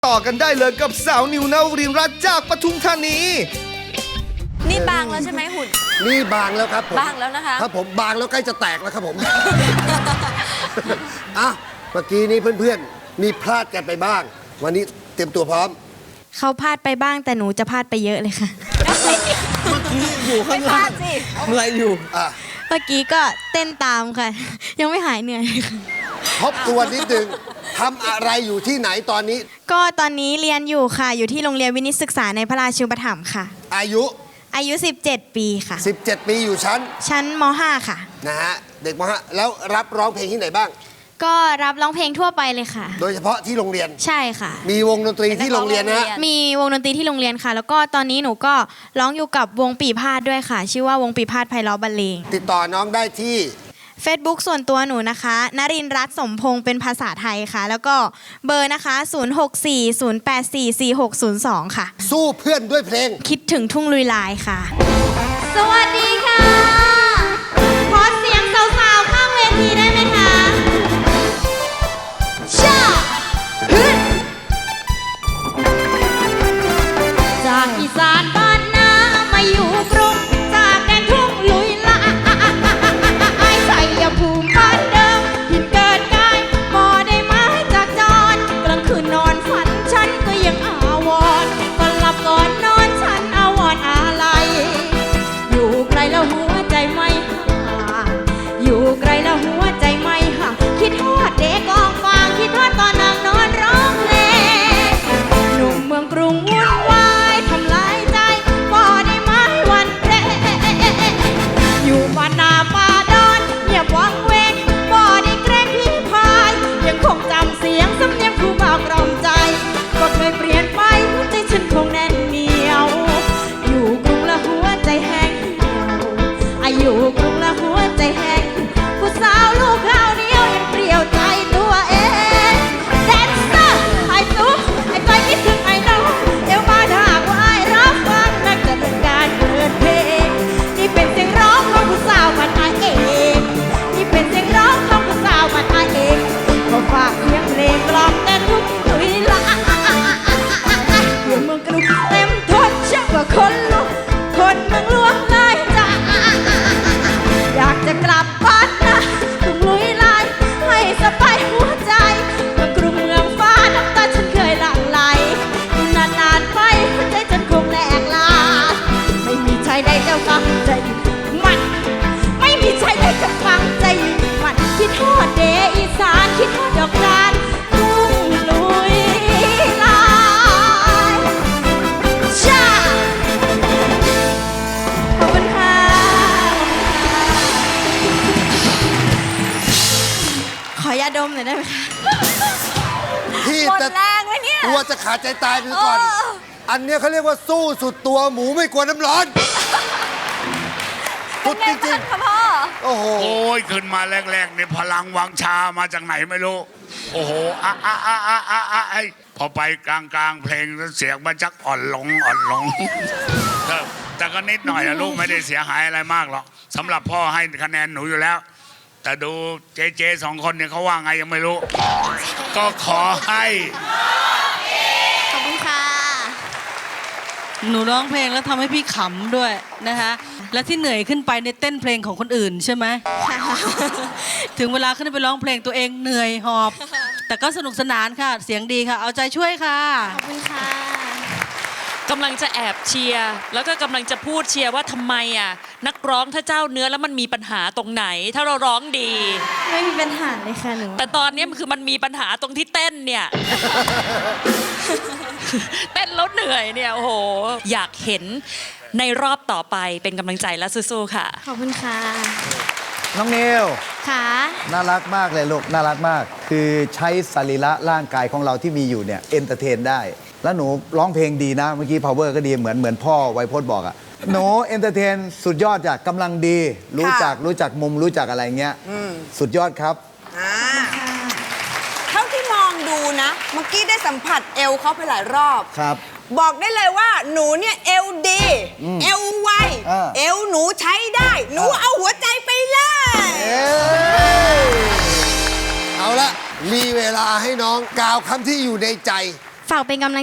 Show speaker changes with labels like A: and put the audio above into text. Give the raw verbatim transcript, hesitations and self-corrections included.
A: ต่อกันได้เลยกับสาวนิวนาวรินทร์รัตน์จากปทุมธานี
B: นี่บางแล้วใช่ไหมหุ่น
C: นี่บางแล้วครับผม
B: บางแล้วนะคะ
C: ครับผมบางแล้วใกล้จะแตกแล้วครับผม อ่ะเมื่อกี้นี้เพื่อนๆมีพลาดกันไปบ้าง วันนี้เตรียมตัวพร้อม
D: เขาพลาดไปบ้างแต่หนูจะพลาดไปเยอะเลยค่ะ
E: อยู่ข้างล่างเหนื่อยอยู่
C: อ่ะ
D: เมื่อกี้ก็เต้นตามค่ะ ยังไม่หายเหนื่อยเลยค่ะ
C: ทบทวนนิดนึงทำอะไรอยู่ที่ไหนตอนนี้
D: ก็ตอนนี้เรียนอยู่ค่ะ อยู่ที่โรงเรียนวินิตศึกษาในพระราชูปถัมภ์ค่ะ
C: อายุ
D: อายุ สิบเจ็ด ปีค่ะ
C: สิบเจ็ด ปีอยู่ชั้น
D: ชั้นม ห้า ค่ะ
C: นะฮะเด็กมหาแล้วรับร้องเพลงที่ไหนบ้าง
D: ก็รับร้องเพลงทั่วไปเลยค่ะ
C: โดยเฉพาะที่โรงเรียน
D: ใช่ค่ะ
C: มีวงดนตรีที่โรงเรียนนะฮะ
D: มีวงดนตรีที่โรงเรียนค่ะ แล้วก็ตอนนี้หนูก็ร้องอยู่กับวงปีพาดด้วยค่ะ ชื่อว่าวงปีพาดไพเราะบรรเลง
C: ติดต่อน้องได้ที่
D: Facebook ส่วนตัวหนูนะคะนรินทร์รัตน์สมพงษ์เป็นภาษาไทยค่ะ แล้วก็เบอร์นะคะ ศูนย์ หก สี่ ศูนย์ แปด สี่ สี่ หก ศูนย์ สอง ค่ะ
C: สู้เพื่อนด้วยเพลง
D: คิดถึงทุ่งลุยลายค่ะ สวัสดีค่ะ ขอเสียงสาวๆข้างเวทีได้ไหมคะชาฮึดจากอีสานบ้านนามาอยู่กรุงจากแดนทุ่งลุยลายใส่ยาภูมิบ้านเดิมหินเกิดกายบ่ได้มาจากจรกลางคืนนอนฝันฉันก็ยังอาวรณ์ก่อนหลับก่อนนอนฉันอาวรณ์อะไรอยู่ไกลแล้วหัวใจไม่ห่างอยู่ไกลแล้วหัวใจไม่ห่างคิดทอดเด็กกองฟางคิดทอดตอนนางนอนร้องเพลงหนุ่มเมืองกรุงวุ่นวายทำลายใจบ่ได้ไม้วันเพลอยู่บ้านนาป่าดอนเงียบวังเวงบ่ได้เกรงพี่พายยังคงจำเสียงสำเนียงผู้บ่าวกล่อมใจก็เคยเปลี่ยนไปหัวใจฉันคงแน่นเหนียว อยู่กรุงและหัวใจแห้งเหี่ยวอายุกรุงและหัวใจแห้งผู้สาวลูกข้าวเหนียวยังเปรี้ยวใจตัวเองแดนเซอร์ไอ้ตุ๊กไอ้ใจคิดถึงไอ้น้องเดี๋ยวมาถ้าหากว่าไอ้รับฟังนักจะเป็นการเปิดเพลงนี่เป็นเสียงร้องของผู้สาวมันไอเองนี่เป็นเสียงร้องของผู้สาวมันไอเองก็ฝากเสียงเพลงกล่อมแต่ทุกเวลาอยู่เมืองกรุงเต็มทนเชื่อว่าคนลุกคนเมืองหลวงเลยจ้าอยากจะกลับบ้านนะต้องลุยลายให้สบายหัวใจเมืองกรุงเมืองฟ้าน้ำตาฉันเคยหลั่งไหลอยู่นานๆไปหัวใจฉันคงแหลกลาไม่มีใจใดจะฟังใจมันไม่มีใจใดจะฟังใจมันคิดทอดเดอีสานคิดทอดดอกจานทุ่งลุยลายชาขอบคุณค่ะขอยาดมหน่อยได้ไหมคะ
C: ที่
B: หมด
C: จะ
B: แรงเลยเนี่ย
C: กลัวจะขาดใจตายคือก่อน อันเนี้ยเขาเรียกว่าสู้สุดตัวหมูไม่กลัวน้ำร้อนสุดจริง
B: ค่ะพ่อ
C: ๆ โอ้โห
F: โอ้ยขึ้นมาแรกๆเนี่ยพลังวังชามาจากไหนไม่รู้ โอ้โหอะอะอะอะอะอะไอพอไปกลางกลางๆเพลงเสียงมันจักอ่อนลงอ่อนลงแต่แต่ก็นิดหน่อยอะลูกไม่ได้เสียหายอะไรมากหรอกสำหรับพ่อให้คะแนนหนูอยู่แล้ว แต่ดูเจเจสองคนเนี่ยเขาว่าไงยังไม่รู้ ก็ขอให้
D: ขอบคุณค่ะ
E: หนูร้องเพลงแล้วทำให้พี่ขำด้วยนะคะ และที่เหนื่อยขึ้นไปในเต้นเพลงของคนอื่นใช่ไหม ถึงเวลาขึ้นไปร้องเพลงตัวเองเหนื่อยหอบ แต่ก็สนุกสนานค่ะ เสียงดีค่ะ เอาใจช่วยค่ะ
D: ขอบคุณค่ะ
G: กำลังจะแอบเชียร์แล้วก็กำลังจะพูดเชียร์ว่าทำไมอ่ะนักร้องถ้าเจ้าเนื้อแล้วมันมีปัญหาตรงไหน ถ้าเราร้องดี
D: ไม่มีปัญหาเลยค่ะหนู
G: แต่ตอนนี้มันคือมันมีปัญหาตรงที่เต้นเนี่ย เต้นแล้วเหนื่อยเนี่ยโอ้โหอยากเห็นในรอบต่อไปเป็นกำลังใจและสู้ๆค่ะ
D: ขอบคุณค่ะ
H: น้องนิว
D: ค่ะ
H: น่ารักมากเลยลูกน่ารักมาก คือใช้สรีระร่างกายของเราที่มีอยู่เนี่ยเอนเตอร์เทนได้ แล้วหนูร้องเพลงดีนะ เมื่อกี้ power ก็ดีเหมือนเหมือนพ่อไวโพจน์บอกอะหนูเอนเตอร์เทนสุดยอดจากกำลังดี รู้จักรู้จักมุมรู้จักอะไรเงี้ยสุดยอดครับ
B: อ่าเท่าที่มองดูนะ เมื่อกี้ได้สัมผัสเอวเขาไปหลายรอบ
H: ครับ
B: บอกได้เลยว่าหนูเนี่ยเอวดี เอวไว
H: อ่า
B: เอวหนูใช้ได้ หนูเอาหัวใจไปเลย
H: เอ้ย
C: เอาละมีเวลาให้น้องกล่าวคำที่อยู่ในใจ
I: ฝากเป็นกำลัง